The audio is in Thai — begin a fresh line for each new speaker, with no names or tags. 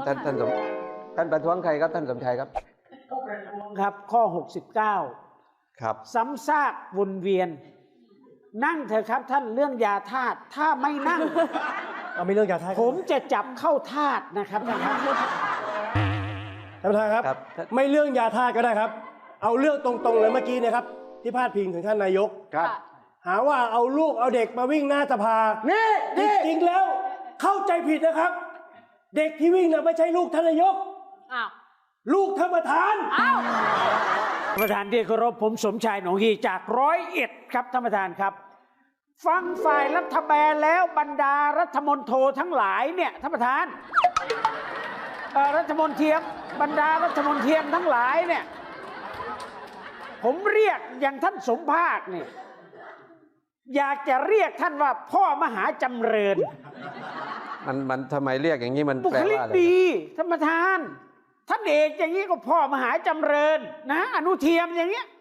ท่านประท้วงใครครับท่านสมชัยครับ
ครับข้อ69
ครับ
ซ้ำซากวนเวียนนั่งเถอะครับท่านเรื่องยาธาตุถ้าไม่นั่ง
เอาไม่เรื่องยาธาตุ
ผมจะจับเข้าธาตุนะครับท่านครับ
ท่านประธานครับไม่เรื่องยาธาตุก็ได้ครับเอาเรื่องตรงๆเลยเมื่อกี้นะครับที่พาดพิงถึงท่านนายก
ครับ
หาว่าเอาลูกเอาเด็กมาวิ่งหน้าสภา
นี่
จริงๆแล้วเข้าใจผิดนะครับเด็กที่วิ่งน่ะไม่ใช่ลูกท่านนายกลูกท่านประธาน
ประธานที่เคารพผมสมชายหนองฮีจาก101ครับท่านประธานครับฟังฝ่ายรัฐบาลแล้วบรรดารัฐมนตรีทั้งหลายเนี่ยท่านประธานรัฐมนตรีบรรดารัฐมนตรีทั้งหลายเนี่ยผมเรียกอย่างท่านสมภาคเนี่ยอยากจะเรียกท่านว่าพ่อมหาจำเริญ
มันทำไมเรียกอย่างนี้มัน
บุคลิกดีท่านประธานท่านเอกอย่างนี้ก็พ่อมหาจำเริญนะอนุเทียมอย่างเงี้ย